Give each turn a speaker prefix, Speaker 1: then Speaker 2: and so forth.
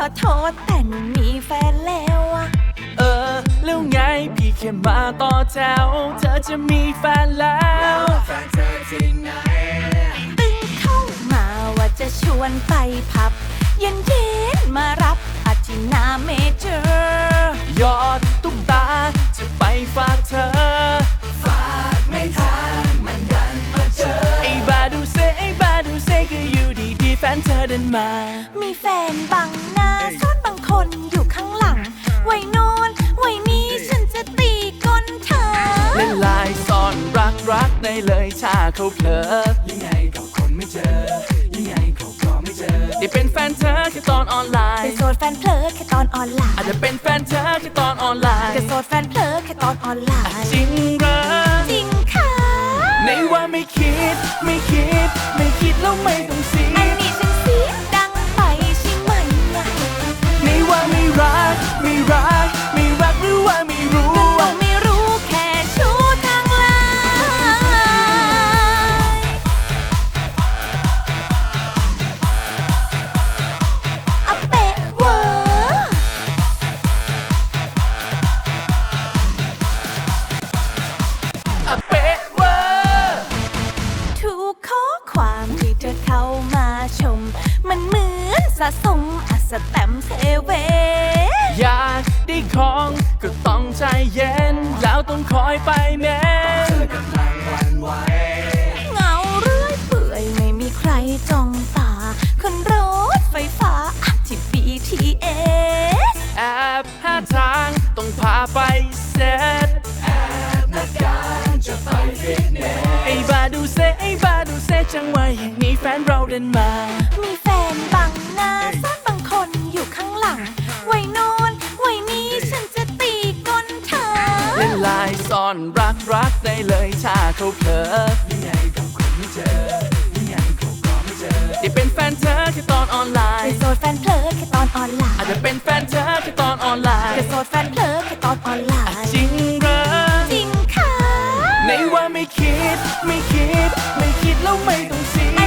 Speaker 1: อโทษแต่หนูมีแฟนแล้วอะ
Speaker 2: แล้วไงพี่แค่มาต่อแถวเธอจะมีแฟนแล้ว
Speaker 3: แฟนเธอที่ไหน
Speaker 1: ตึงเข้ามาว่าจะชวนไปผับเย็นมารับอาทิตย์หน้าเมเจอร์
Speaker 2: ยอดตุ๊กตาจะไปฝากเธอ
Speaker 3: ฝากไม่ทันมันดันมาเจอ
Speaker 2: ไอ้บาดูเซก็อยู่ดีแฟนเธอเดินมา
Speaker 1: มีแฟนบังหน้าซ่อนบางคนอยู่ข้างหลังไว้โนนไว้นี้ฉันจะตีก้นเธอ
Speaker 2: เล่นลายซ่อนรักในเลยถ้าเขาเผลอ
Speaker 3: ยังไงก็คนไม่เจอยังไงก็ไม่เจอ
Speaker 2: ได้เป็นแฟนเธอแค่ตอนออนไลน์
Speaker 1: เป็นโสดแฟนเพลอแค่ตอนออนไลน์
Speaker 2: อาจจะเป็นแฟนเธอแค่ตอนออนไลน์
Speaker 1: แต่โสดแฟนเพลอแค่ตอนออนไลน์
Speaker 2: จริงเหรอ
Speaker 1: จริงค่ะ
Speaker 2: ในว่าไม่คิดแล้วไม่ต้องเสีย
Speaker 1: อันนี้ฉันเสียดังไปใช่ไหม
Speaker 2: ในว่าไม่รักหรือว่าไม่รู้
Speaker 1: ก็ไม่รู้แค่ชู้ทางไลน์อะเป๊ะเวอร์
Speaker 2: อะเป๊ะเวอร์
Speaker 1: ทุกข้อความที่เธอเข้ามาชมมันเหมือนสะสมสแตมป์เซเว่น
Speaker 2: อยากได้ของก็ต้องใจเย็นแล้วต้องคอยไปแม้
Speaker 3: เธอกำลังหวั่นไหว
Speaker 1: เงาเรื่อยเปื่อยไม่มีใครจ้องตาคนรถไฟฟ้าที่ BTS
Speaker 2: แอบหาทางต้องพาไปเซ็ต
Speaker 3: แอบนัดกันจะไปฟิตเนส
Speaker 2: ไอ้บาดูเซจังหวะอย่างนี้แฟนเราเดินมา
Speaker 1: มีแฟนบังหน้าซ่อนบางคนอยู่ข้างหลังไว้โนนไว้นี้ฉันจะตีก้นเธอ
Speaker 2: เล่นลายซ่อนรักได้เลยถ้าเขาเผลอ
Speaker 3: ยังไงก็คนไม่เจอยังไงก็ไม่เจอ
Speaker 2: ได้เป็นแฟนเธอแค่ตอนออนไลน์
Speaker 1: แต่โสดแฟนเพลอแค่ตอนออนไลน์
Speaker 2: อาจจะเป็นแฟนเธอแค่ตอนออนไลน์
Speaker 1: แต่โสดแฟนเพลอแค่ตอนออนไลน์
Speaker 2: จริงเหรอ
Speaker 1: จริงค่ะ
Speaker 2: ในว่าไม่คิดแล้วไม่ต้องเสีย